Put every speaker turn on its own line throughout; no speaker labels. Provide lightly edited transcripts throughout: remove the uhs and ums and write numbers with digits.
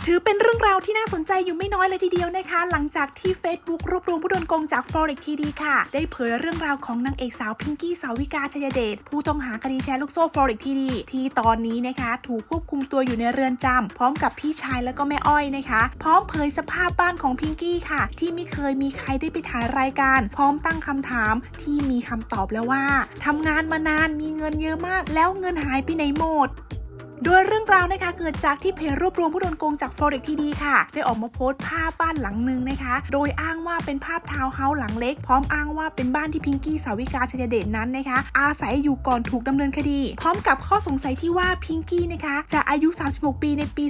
ถือเป็นเรื่องราวที่น่าสนใจอยู่ไม่น้อยเลยทีเดียวนะคะหลังจากที่ Facebook รวบรวมผู้โดนโกงจาก Forex TD ค่ะได้เผยเรื่องราวของนางเอกสาวพิงกี้สาวิกาชัยเดชผู้ต้องหาคดีแชร์ลูกโซ่ Forex TD ที่ตอนนี้นะคะถูกควบคุมตัวอยู่ในเรือนจำพร้อมกับพี่ชายและก็แม่อ้อยนะคะพร้อมเผยสภาพบ้านของพิงกี้ค่ะที่ไม่เคยมีใครได้ไปถ่ายรายการพร้อมตั้งคำถามที่มีคำตอบแล้วว่าทำงานมานานมีเงินเยอะมากแล้วเงินหายไปไหนหมดโดยเรื่องราวนะคะเกิดจากที่เพจรวบรวมผู้โดนโกงจาก Forex TD ค่ะได้ออกมาโพสต์ภาพบ้านหลังหนึ่งนะคะโดยอ้างว่าเป็นภาพทาวน์เฮาส์หลังเล็กพร้อมอ้างว่าเป็นบ้านที่พิงกี้สาวิกาชัยเดชนั้นนะคะอาศัยอยู่ก่อนถูกดำเนินคดีพร้อมกับข้อสงสัยที่ว่าพิงกี้นะคะจะอายุ36ปีในปี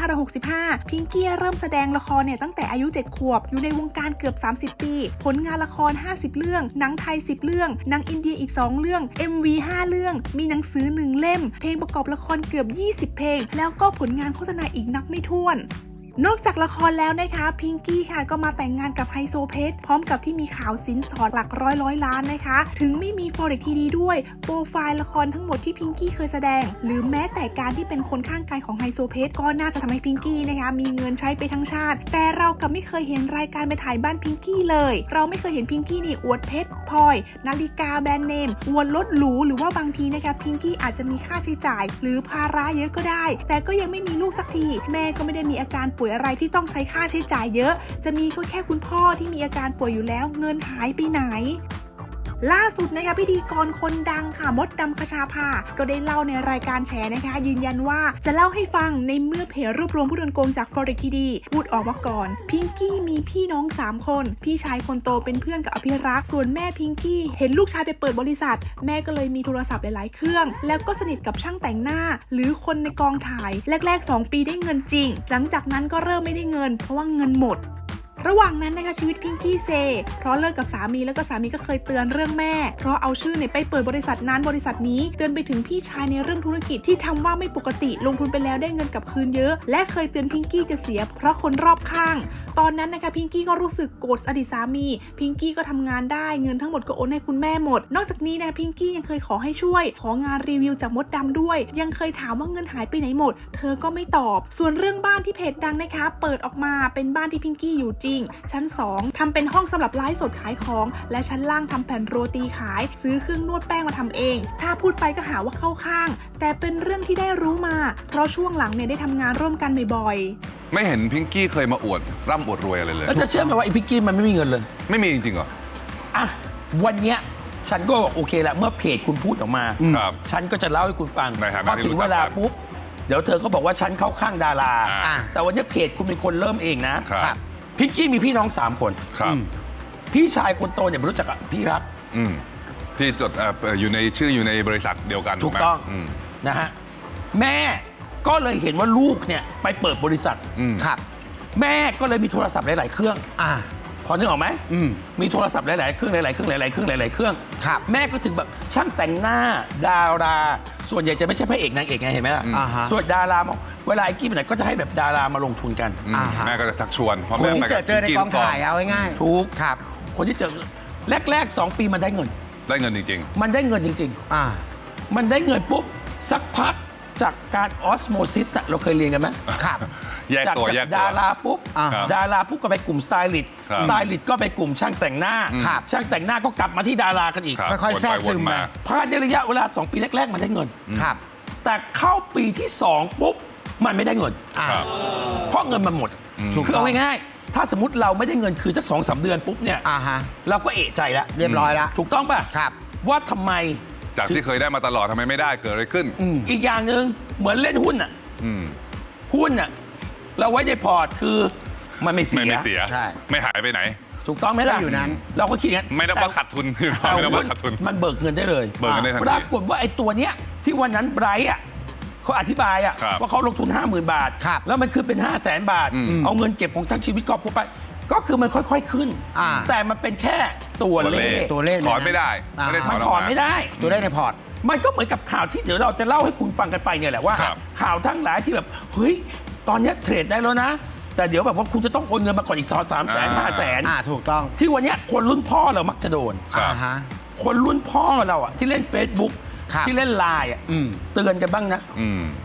2565 พิงกี้เริ่มแสดงละครเนี่ยตั้งแต่อายุ7ขวบอยู่ในวงการเกือบ30ปีผลงานละคร50เรื่องหนังไทย10เรื่องหนังอินเดียอีก2เรื่อง MV 5เรื่องมีหนังสือ1เล่มเพลงประกอบละครเกือบ20เพลงแล้วก็ผลงานโฆษณาอีกนับไม่ถ้วนนอกจากละครแล้วนะคะพิงกี้ค่ะก็มาแต่งงานกับไฮโซเพชรพร้อมกับที่มีข่าวสินสอดหลักร้อยล้านนะคะถึงไม่มี Forex TD ด้วยโปรไฟล์ละครทั้งหมดที่พิงกี้เคยแสดงหรือแม้แต่การที่เป็นคนข้างกายของไฮโซเพชรก็น่าจะทำให้พิงกี้นะคะมีเงินใช้ไปทั้งชาติแต่เรากลับไม่เคยเห็นรายการไปถ่ายบ้านพิงกี้เลยเราไม่เคยเห็นพิงกี้นี่อวดเพชรพลอยนาฬิกาแบรนด์เนมอวดรถหรูหรือว่าบางทีนะคะพิงกี้อาจจะมีค่าใช้จ่ายหรือภาระเยอะก็ได้แต่ก็ยังไม่มีลูกสักทีแม่ก็ไม่ได้มีอาการป่วยอะไรที่ต้องใช้ค่าใช้จ่ายเยอะจะมีก็แค่คุณพ่อที่มีอาการป่วยอยู่แล้วเงินหายไปไหนล่าสุดนะคะพิธีกรคนดังค่ะมดดำคชาภาก็ได้เล่าในรายการแฉนะคะยืนยันว่าจะเล่าให้ฟังในเมื่อเพจรวบรวมผู้โดนโกงจาก Forex TD พูดออกมาก่อนพิงกี้มีพี่น้อง3คนพี่ชายคนโตเป็นเพื่อนกับอภิรักษ์ส่วนแม่พิงกี้เห็นลูกชายไปเปิดบริษัทแม่ก็เลยมีโทรศัพท์หลายๆเครื่องแล้วก็สนิทกับช่างแต่งหน้าหรือคนในกองถ่ายแรกๆ2ปีได้เงินจริงหลังจากนั้นก็เริ่มไม่ได้เงินเพราะว่าเงินหมดระหว่างนั้นนะคะชีวิตพิงกี้เซเพราะเลิกกับสามีแล้วก็สามีก็เคยเตือนเรื่องแม่เพราะเอาชื่อเนี่ยไปเปิดบริษัทนั้นบริษัทนี้เตือนไปถึงพี่ชายในเรื่องธุรกิจที่ทำว่าไม่ปกติลงทุนไปแล้วได้เงินกลับคืนเยอะและเคยเตือนพิงกี้จะเสียเพราะคนรอบข้างตอนนั้นนะคะพิงกี้ก็รู้สึกโกรธอดีตสามีพิงกี้ก็ทำงานได้เงินทั้งหมดก็โอนให้คุณแม่หมดนอกจากนี้นะพิงกี้ยังเคยขอให้ช่วยของานรีวิวจากมดดำด้วยยังเคยถามว่าเงินหายไปไหนหมดเธอก็ไม่ตอบส่วนเรื่องบ้านที่เพจดังนะคะเปิดออกมาเป็นบ้านที่พิงกี้อยู่จริงชั้น2ทำเป็นห้องสำหรับไลฟ์สดขายของและชั้นล่างทำแผ่นโรตีขายซื้อเครื่องนวดแป้งมาทำเองถ้าพูดไปก็หาว่าเข้าข้างแต่เป็นเรื่องที่ได้รู้มาเพราะช่วงหลังเนี่ยได้ทำงานร่วมกันบ่อย
ๆไม่เห็นพิงกี้เคยมาอวดร่ำอวดรวยอะไรเลย
แล้วจะเชื่อไหมว่าไอ้พิงกี้มันไม่มีเงินเลย
ไม่มีจริงๆเหรอ
อ่ะวันเนี้ยฉันก็โอเคแหละเมื่อเพจคุณพูดออกมาฉันก็จะเล่าให้คุณฟังพอถึงเวลาปุ๊บเดี๋ยวเธอก็บอกว่าฉันเข้าข้างดาราแต่วันนี้เพจคุณเป็นคนเริ่มเองนะพิงกี้มีพี่น้อง3คนพี่ชายคนโตเนี่ยรู้จักกับพี่รัก
ที่จดอยู่ในชื่ออยู่ในบริษัทเดียวกัน
ถูกต้องนะฮะแม่ก็เลยเห็นว่าลูกเนี่ยไปเปิดบริษัทครับแม่ก็เลยมีโทรศัพท์หลายๆเครื่องพอนึกออกไหมมีโทรศัพท์หลายๆเครื่องหลายๆเครื่องหลายๆเครื่องหลายๆเครื่องแม่ก็ถึงแบบช่างแต่งหน้าดาราส่วนใหญ่จะไม่ใช่พระเอกนางเอกไงเห็นไหมล่ะส่วนดาราเวลาไอ้กี้ไปไหนก็จะให้แบบดารามาลงทุนกัน
แม่ก็จะชักชวน
คนที่เจอในกองถ่ายเอาง่าย
ๆถูกครับคนที่เจอแรก2 ปีมันได้เงิน
จริง
ๆมันได้เงินจริงๆมันได้เงินปุ๊บสักพักจากการออสโมซิสเราเคยเรียนกันไหม
ครับ
แยกตัว
ดาราปุ๊บดาราปุ๊บก็ไปกลุ่มสไตลิสต์ก็ไปกลุ่มช่างแต่งหน้าช่างแต่งหน้าก็กลับมาที่ดารากันอีก
ค่อยๆแทรกซึมมา
ผ่านในระยะเวลา2 ปีแรกๆมันได้เงินแต่เข้าปีที่2ปุ๊บมันไม่ได้เงินเพราะเงินมันหมดคือเอาง่ายๆถ้าสมมติเราไม่ได้เงินคือสัก2-3 เดือนปุ๊บเนี่ยเราก็เอะใจแล้ว
เรียบร้อยแล้ว
ถูกต้องป่ะว่าทำไม
จากที่เคยได้มาตลอดทำไมไม่ได้เกิดอะไรขึ้น
อีกอย่างหนึ่งเหมือนเล่นหุ้นอ่ะหุ้นอ่ะเราไว้ในพอร์ตคือมันไม่เสีย
ไม่หายไปไหน
ถูกต้องไหมล่ะ
อยู่นั้น
เราก็คิดอย่างนั้น
ไม่ได้ว่าขาดทุนไม่ได้ว่าขาดทุน
มันเบิกเงินได้เลยปรากฏว่าไอ้ตัวเนี้ยที่วันนั้นไบรท์อ่ะเขาอธิบายอ่ะว่าเขาลงทุน 50,000 บาทแล้วมันคือเป็น 500,000 บาทเอาเงินเก็บของทั้งชีวิตครอบครัวไปก็คือมันค่อยๆขึ้นแต่มันเป็นแค่ตัวเลข
ถอนไม่ได้
มันถอนไม่ได้
ตัวเลขในพอร์ต
มันก็เหมือนกับข่าวที่เดี๋ยวเราจะเล่าให้คุณฟังกันไปเนี่ยแหละว่าข่าวทั้งหลายที่แบบเฮ้ยตอนนี้เทรดได้แล้วนะแต่เดี๋ยวแบบว่าคุณจะต้องโอนเงินมาก่อนอีก300,000-500,000
ถูกต้อง
ที่วันนี้คนรุ่นพ่อเรามักจะโดนคนรุ่นพ่อเราอ่ะที่เล่น Facebook ที่เล่นไลน์อ่ะเตือนกันบ้างนะ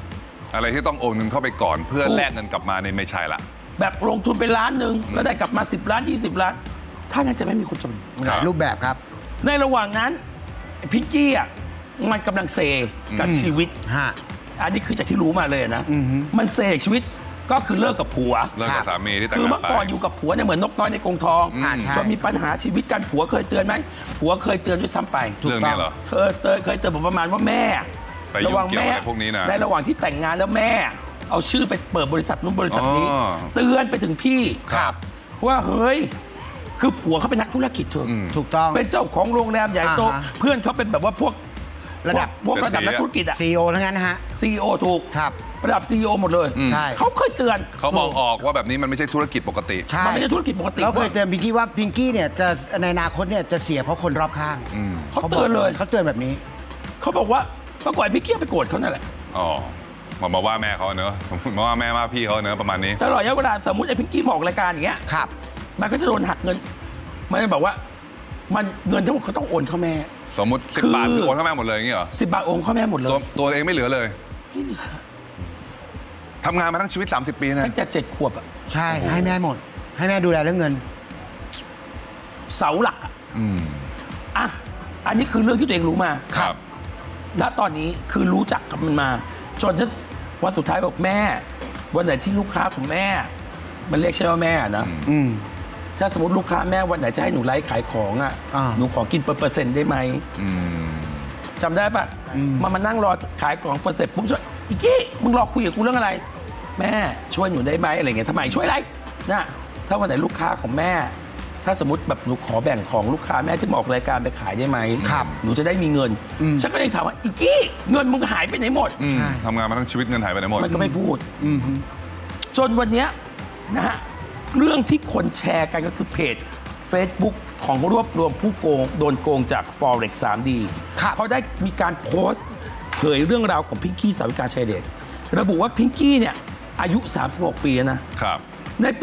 อะไรที่ต้องโอนเงินเข้าไปก่อนเพื่อแลกเงินกลับมาเนี่ยไม่ใช่ละ
แบบลงทุนไปล้านหนึ่งแล้วได้กลับมา10 ล้าน20 ล้านถ้านั้นจะไม่มีคนจน
หลายรูปแบบครับ
ในระหว่างนั้นพิงกี้อ่ะมันกำลังเซกับชีวิต
ฮะ
อันนี้คือจากที่รู้มาเลยนะ
อือฮึ
มันเซชีวิตก็คือเลิกกับผัว
เลิกกับสามีที่แต่ง
คือง
า
เมื่
น
อ
ไป
ก่อนอยู่กับผัวเนี่ยเหมือนนกน้อยในกรงทอง
ใช่
จนมีปัญหาชีวิตกันผัวเคยเตือนไหมผัวเคยเตือนด้วยซ้ำไป
เรื่องนี้เหรอ
เคยเตือนผมประมาณว่าแม่
ไปยุ่งเกี่ยวอะไรพวกนี้นะ
ในระหว่างที่แต่งงานแล้วแม่ เอาชื่อไปเปิดบริษัทนู้นบริษัทนี้
อ๋อ
เตือนไปถึงพี่
ครับ
ว่าเฮ้ยคือผัวเขาเป็นนักธุรกิจเถอะ
ถูกต้อง
เป็นเจ้าของโรงแรมใหญ่โต
อ่าฮะ
เพื่อนเขาเป็นแบบว่าพวก
ระดับ
พวกระดับนักธุรกิจอะ
CEO ทั้งนั้นนะฮะ
CEO ถูก
ครับ
ระดับ CEO หมดเลย
ใช่
เขาเคยเตือน
เขามองออกว่าแบบนี้มันไม่ใช่ธุรกิจปกติ
ใช่
มันไม่ใช่ธุรกิจปกติ
เราเคยเตือนพิงกี้ว่าพิงกี้เนี่ยจะในอนาคตเนี่ยจะเสียเพราะคนรอบข้าง
เขาเตือนเลย
เขาเตือนแบบนี้
เขาบอกว่าปรากฏพี่เกี้ยไปโกรธเขานั่นแหละ
อ๋อมาว่าแม่เขาเนอะมาว่าแม่ว่าพี่เขาเนอะประมาณนี้
ตลอดระยะเวลาสมมติไอ้พิงกี้มาออกรายการอย่างเงี้ย
ครับ
มันก็จะโดนหักเงิน มันจะบอกว่ามันเงินทั้งหมดเขาต้องโอนเข้าแม่
สมมติ
คือ
10 บาทคือโอนเข้าแม่หมดเลยอย่างงี้เหรอ
10 บาทโอนเข้าแม่หมดเลย
ตัวเองไม่เหลือเลย
ไม่เหลือ
ทำงานมาทั้งชีวิต 30 ปีนะ
ตั้งแต่7 ขวบอะ
ใช่ให้แม่หมด ให้แม่ดูแลเรื่องเงิน
เสาหลักอะ
อืม
อ่ะอันนี้คือเรื่องที่ตัวเองรู้มา
ครับ
ณตอนนี้คือรู้จักกับมันมา จนฉันวันสุดท้ายบอกแม่ วันไหนที่ลูกค้าของแม่ มันเรียกใช่ว่าแม่นะ
อืม
ถ้าสมมติลูกค้าแม่วันไหนจะให้หนูไลฟ์ขายของอ่ะ
อ่า
หนูขอกินเปอร์เซ็นต์ได้ไหม
อืม
จำได้ปะมานั่งรอขายของเปอร์เซ็นต์ปุ๊บช่วยอีกกี้มึงรอคุยกับกูเรื่องอะไร แม่ช่วยหนูได้ไหมอะไรเงี้ยทำไมช่วยอะไรนะถ้าวันไหนลูกค้าของแม่ ถ้าสมมติแบบหนูขอแบ่งของลูกค้าแม่ที่มาออกรายการไปขายได้ไหม
ครับ
หนูจะได้มีเงิน ฉันก็เลยถามว่าอีกกี้เงินมึงหายไปไหนหมด
อืม
ใช่
ทำงานมาทั้งชีวิตเงินหายไปไหนหมด
มันก็ไม่พูด
อืมฮึ
จนวันเนี้ยนะฮะเรื่องที่คนแชร์กันก็คือเพจ Facebook ของรวบรวมผู้โกงโดนโกงจาก Forex 3D
ครับ
เขาได้มีการโพสต์เผยเรื่องราวของพิงกี้สาวิกาชัยเดชระบุว่าพิงกี้เนี่ยอายุ 36 ปีนะ
ครับ
ในปี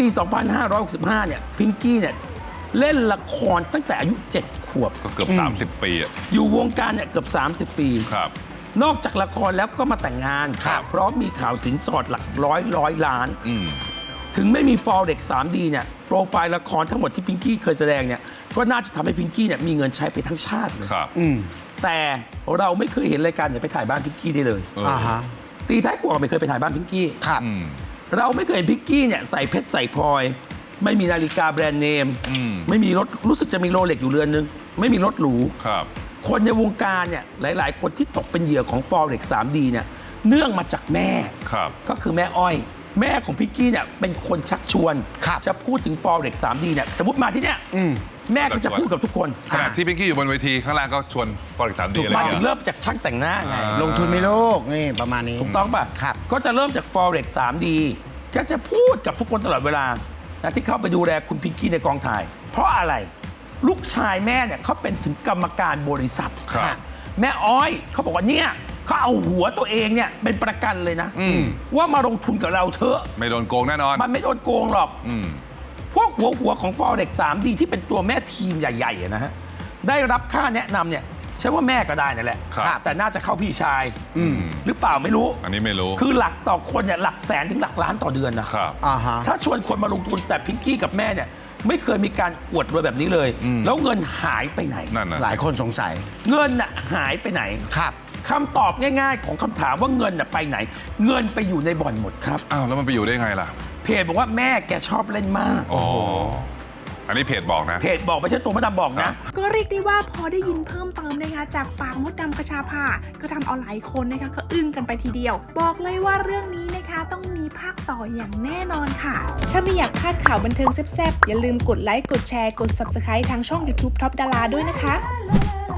2565 เนี่ยพิงกี้เนี่ยเล่นละครตั้งแต่อายุ 7 ขวบ
ก็เกือบ 30 ปีอ่ะ
อยู่วงการเนี่ยเกือบ 30 ปี
ครับ
นอกจากละครแล้วก็มาแต่งงาน
ครับ
พร้อมมีข่าวสินสอดหลักร้อยล้าน
อืม
ถึงไม่มี Forex 3D เนี่ยโปรไฟล์ละครทั้งหมดที่พิงกี้เคยแสดงเนี่ยก็น่าจะทำให้พิงกี้เนี่ยมีเงินใช้ไปทั้งชาติเลย
ครับ
อืม
แต่เราไม่เคยเห็นรายการไหนไปถ่ายบ้านพิงกี้ได้เลย
เออ
ฮะ
ตีท้ายครัวก็ไม่เคยไปถ่ายบ้านพิงกี้
ครับ
อืม
เราไม่เคยเห็นพิงกี้เนี่ยใส่เพชรใส่พลอย ไม่มีนาฬิกาแบรนด์เนม
อืม
ไม่มีรถรู้สึกจะมีโรเล็กอยู่เรือนนึงไม่มีรถหรู
ครับ
คนในวงการเนี่ยหลาย ๆ คนที่ตกเป็นเหยื่อของ Forex 3D เนี่ยเนื่องมาจากแม่
ครับ
ก็คือแม่อ้อย แม่ของพิงกี้เนี่ยเป็นคนชักชวน
ครับ
จะพูดถึง Forex 3D เนี่ยสมมติมาที่เนี่ย
อืม
แม่ก็จะพูดกับทุกคน
ขณะที่พิงกี้อยู่บนเวทีข้างล่างก็ชวนฟอเร็กซ์ 3D อะไร
มา
เงี้
ถึง
ย
เริ่มจากช่างแต่งหน้าไง
อ่า
ลงทุนไหม่ลูก นี่ประมาณนี้
ถูกต้องป่ะ
ครับ
ก็จะเริ่มจาก Forex 3D ก็จะพูดกับทุกคนตลอดเวลานะที่เข้าไปดูแลคุณพิงกี้ในกองถ่าย เพราะอะไรลูกชายแม่เนี่ยเขาเป็นถึงกรรมการบริษัท
ครับ
แม่อ้อยเขาบอกว่าเนี่ยเขาเอาหัวตัวเองเนี่ยเป็นประกันเลยนะ
อืม
ว่ามาลงทุนกับเราเถอะ
ไม่โดนโกงแน่นอน
มันไม่โดนโกงหรอก
อืม
พวกหัวของ Forex 3D ที่เป็นตัวแม่ทีมใหญ่ๆอะนะฮะได้รับค่าแนะนำเนี่ยใช่ว่าแม่ก็ได้นั่นแหละ
ครับ
แต่น่าจะเข้าพี่ชาย
อืม
หรือเปล่าไม่รู้
อันนี้ไม่รู้
คือหลักต่อคนเนี่ยหลักแสนถึงหลักล้านต่อเดือนนะครับ
อ่าฮะ
ถ้าชวนคนมาลงทุนแต่พิงกี้กับแม่เนี่ยไม่เคยมีการอวดรวยแบบนี้เลย
อืม
แล้วเงินหายไปไหน
นั่นนะ
หลายคนสงสัย
เงินน่ะหายไปไหน
ครับ
คำตอบง่ายๆ ของคำถามว่าเงินน่ะไปไหน เงินไปอยู่ในบ่อนหมดครับ
อ้าวแล้วมันไปอยู่ได้ไงล่ะ
เพจบอกว่าแม่แกชอบเล่นมาก
อ๋อ อันนี้เพจบอกนะ
เพจบอกไม่ใช่ตัวมดดำบอกนะ
ก็เรียกได้ว่าพอได้ยินเพิ่มเติมนะคะจากปากมดดำคชาภาก็ทำเอาหลายคนนะคะก็อึ้งกันไปทีเดียว บอกเลยว่าเรื่องนี้นะคะต้องมีภาคต่ออย่างแน่นอนค่ะ ถ้าไม่อยากพลาดข่าวบันเทิงแซ่บๆอย่าลืมกดไลค์กดแชร์กด Subscribe ทางช่อง YouTube Top Dara ด้วยนะคะ